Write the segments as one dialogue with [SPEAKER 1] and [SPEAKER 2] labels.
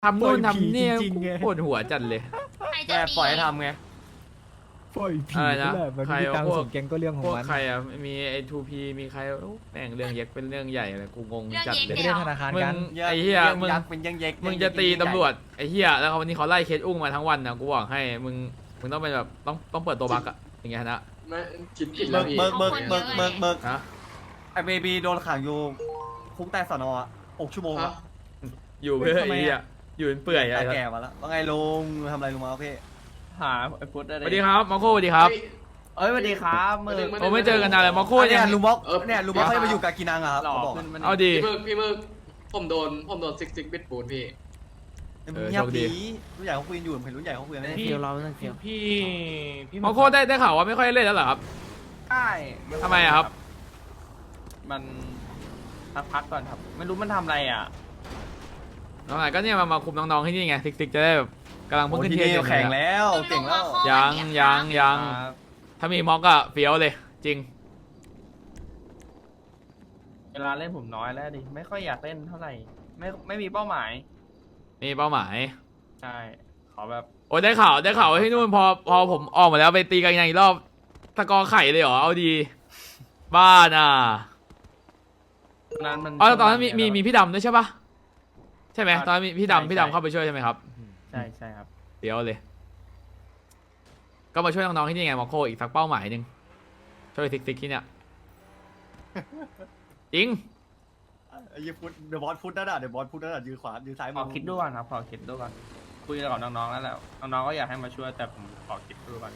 [SPEAKER 1] ทำนู่นทำนี่
[SPEAKER 2] จริงๆไง
[SPEAKER 1] ปวดหัวจัดเลย
[SPEAKER 3] ใคร
[SPEAKER 4] แก
[SPEAKER 3] จะมี
[SPEAKER 4] ปล่อยให้ทำไง
[SPEAKER 2] ปล่อยผี
[SPEAKER 1] อะไรนะ
[SPEAKER 2] นั่นแหละมัน
[SPEAKER 1] ใคร
[SPEAKER 2] มี
[SPEAKER 1] เอา
[SPEAKER 2] ตัง
[SPEAKER 1] พว
[SPEAKER 2] ค์
[SPEAKER 1] ก
[SPEAKER 2] ส่งแกงก็เรื่องของ
[SPEAKER 1] พวก
[SPEAKER 2] มัน
[SPEAKER 1] ใครอ่ะมีไอ้ 2P มีใครโอ้แม่งเรื่องเย็กเป็นเรื่องใหญ่เลยกูงง
[SPEAKER 3] เรื่อง
[SPEAKER 1] จัด
[SPEAKER 3] เย็ก
[SPEAKER 1] เลย
[SPEAKER 2] ไปเรื่องธนาคาร
[SPEAKER 1] มึ
[SPEAKER 2] กั
[SPEAKER 1] ง
[SPEAKER 2] น
[SPEAKER 1] ไอ้เหี้ยมึง
[SPEAKER 4] ยักษ์เป็นยังเย็ก
[SPEAKER 1] มึงจะตีตำรวจไอ้เหี้ยแล้ววันนี้เขาไล่เคสอุ้งมาทั้งวันนะกูบอกให้มึงต้องเป็นแบบต้องเปิดตัวบักอะอย่างเงี้ยนะ
[SPEAKER 5] ไม่คิดผิดแล้วพี่
[SPEAKER 4] เบิก
[SPEAKER 1] ฮะ
[SPEAKER 4] ไอเบบีโดนขังอยู่คุกใต้สนอ่ะ6 ชั่วโมง
[SPEAKER 5] ฮะ
[SPEAKER 4] อะ
[SPEAKER 1] อยู่เพื่อไอ้เหี้ยอยู่เป็นเปื่อย
[SPEAKER 4] ตา
[SPEAKER 1] ไอ้
[SPEAKER 4] แก่มาแล้วว่าไงลุงทำอะไรลุงมาพี่
[SPEAKER 6] หาไอ้พุทธได้
[SPEAKER 1] สวัสดีครับมาโคสวัสดีครับ
[SPEAKER 6] เอ้ยสวัสดีครับมือ
[SPEAKER 1] โอ้ไม่เจอกันนานเลยมาโค
[SPEAKER 4] เนี่
[SPEAKER 1] ยั
[SPEAKER 4] ย
[SPEAKER 1] ง
[SPEAKER 4] ลุงบอกเนี่ยลุงบอกเขาจะมาอยู่กับกินังอะครับ
[SPEAKER 6] หล่อ
[SPEAKER 4] เขาบอก
[SPEAKER 6] ขึ้นมัน
[SPEAKER 1] เอาดี
[SPEAKER 5] พี่มึกผมโดนซิกบิดปูนพี่
[SPEAKER 4] เงียบดีรุ่นใหญ่เขาคุยกันอยู่เห็นรุ่นใหญ่เขาคุยกันไม่ได้
[SPEAKER 6] พี่เราเรื่องเกี่ยวพี่
[SPEAKER 1] มาโคได้ข่าวว่าไม่ค่อยเล่นแล้วเหรอครับ
[SPEAKER 6] ใช่
[SPEAKER 1] ทำไมอะครับ
[SPEAKER 6] มันพักก่อนครับ ไม่รู้มันทำอะไรอ่ะ
[SPEAKER 1] น้องไหนก็เนี่ยมาคุมน้องๆที่นี่ไงซิกจะได้แบบกำลัง
[SPEAKER 4] โอ้
[SPEAKER 1] เพิ่งขึ้น
[SPEAKER 4] ที่
[SPEAKER 1] เทียน
[SPEAKER 4] นี่
[SPEAKER 1] อยู่
[SPEAKER 4] แข่งแล้วเก่งแล้ว
[SPEAKER 1] ยังถ้ามีม็อกอะเฟี้ยวเลยจริง
[SPEAKER 6] เวลาเล่นผมน้อยแล้วดิ ไม่ค่อยอยากเล่นเท่าไหร่ ไม่มีเป้าหมาย
[SPEAKER 1] มีเป้าหมาย
[SPEAKER 6] ใช่ ขอแบบ
[SPEAKER 1] โอ้ยได้ข่าวว่าที่นู่นพอผมออกมาแล้วไปตีกันอีกรอบตะกอไข่เลยเหรอเอาดี บ้าน่ะ
[SPEAKER 6] นั้นมัน
[SPEAKER 1] อ๋อตอนนั้นมีพี่ดำด้วยใช่ปะใช่ไหมตอนนั้นมีพี่ดำเข้าไปช่วยใช่ไหมครับ
[SPEAKER 6] ใช่ครับ
[SPEAKER 1] เดี๋ยวเลย ก็มาช่วยน้องๆที่นี่ไงมอโคอีกสักเป้าหมายหนึ่งช่วยซิกที่เนี่ยจริง
[SPEAKER 4] ไอ้ยี่พุทธเดอะบอสพุทธนั่นน่ะเดอะบอสพุทธนั่นน่ะยืนขวายืนซ้าย
[SPEAKER 6] ขอคิดดูก่อนครับ ขอคิดดูก่อน คุยกับน้องๆแล้วแหละน้องๆก็อยากให้มาช่วยแต่ผมขอคิดดูก่อน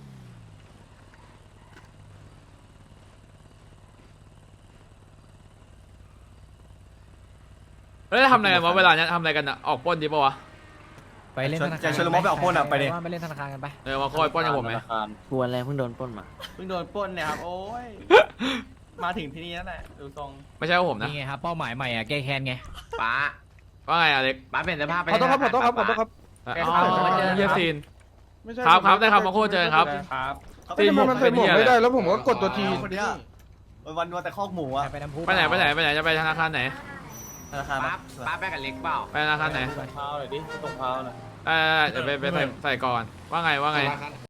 [SPEAKER 1] แล้วทำอะไรกันวะเวลาเนี้ยทำอะไรกันอะออกปล้นดีปะวะ
[SPEAKER 2] ไปเล่นธนาคาร
[SPEAKER 4] จะเชิญลุงบอกไปออกพ่นอ่ะไปดิ
[SPEAKER 2] ว่าไปเล่นธนาคารกันไป
[SPEAKER 1] มาโคอยปล้นกับผมไหม
[SPEAKER 7] กวนอะไรเพิ่งโดนปล้นมา
[SPEAKER 6] เพิ่งโดนปล้นเนี่ยครับ โอ้ย มาถึงที่นี่แล้วแหละดูทรง
[SPEAKER 1] ไม่ใช่ว่าผมนะ
[SPEAKER 2] นี่ไงครับเป้าหมายใหม่อ่ะแก้แค้นไง
[SPEAKER 7] ป้า
[SPEAKER 1] ว่าไงอเล็ก
[SPEAKER 7] ป้าเปลี่ยนเสื้อผ้าไป
[SPEAKER 8] ขอโทษครับขอโทษครับขอโทษครับ
[SPEAKER 1] อ๋อเยียซีน
[SPEAKER 8] ไม่ใช่
[SPEAKER 1] ครับได้ครับมาโคเจอกันครับ
[SPEAKER 6] ครับ
[SPEAKER 8] ไม่ทำไมมันใส่หมวกไม่ได้แล้วผมก็กดตัวที
[SPEAKER 4] คนเนี้ยวันแต่คอกหมูอะ
[SPEAKER 2] ไปน้ำพุ
[SPEAKER 1] ไปไหนจะไปธนาคารไหน
[SPEAKER 4] ธนาคาร
[SPEAKER 7] ป้าป้าไปกับเล็กเปล่า
[SPEAKER 1] ไปธนาคารไหน
[SPEAKER 6] เท้าหน่อยดิตรงเท้าหน่อย
[SPEAKER 1] เดี๋ยวไปใส่ก่อนว่าไง